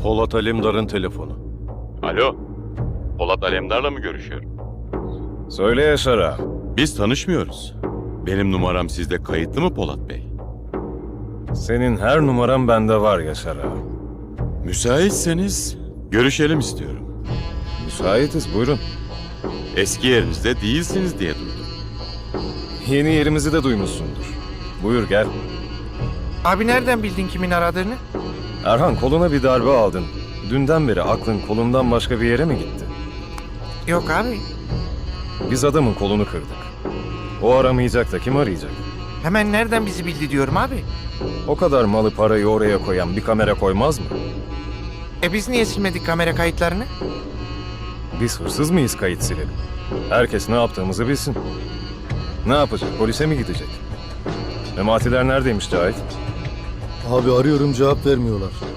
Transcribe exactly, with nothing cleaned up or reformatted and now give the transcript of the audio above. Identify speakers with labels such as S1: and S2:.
S1: Polat Alemdar'ın telefonu.
S2: Alo, Polat Alemdar'la mı görüşüyorum?
S1: Söyle Yaşar ağa.
S2: Biz tanışmıyoruz. Benim numaram sizde kayıtlı mı Polat Bey?
S1: Senin her numaran bende var Yaşar ağa.
S2: Müsaitseniz görüşelim istiyorum.
S1: Müsaitiz, buyurun.
S2: Eski yerinizde değilsiniz diye duydum.
S1: Yeni yerimizi de duymuşsundur. Buyur gel.
S3: Abi nereden bildin kimin aradığını?
S1: Erhan, koluna bir darbe aldın. Dünden beri aklın kolundan başka bir yere mi gitti?
S3: Yok abi.
S1: Biz adamın kolunu kırdık. O aramayacak da kim arayacak?
S3: Hemen nereden bizi bildi diyorum abi.
S1: O kadar malı parayı oraya koyan bir kamera koymaz mı?
S3: E biz niye silmedik kamera kayıtlarını?
S1: Biz hırsız mıyız kayıt silelim? Herkes ne yaptığımızı bilsin. Ne yapacak? Polise mi gidecek? Mematiler neredeymiş Cahit?
S4: Abi arıyorum, cevap vermiyorlar.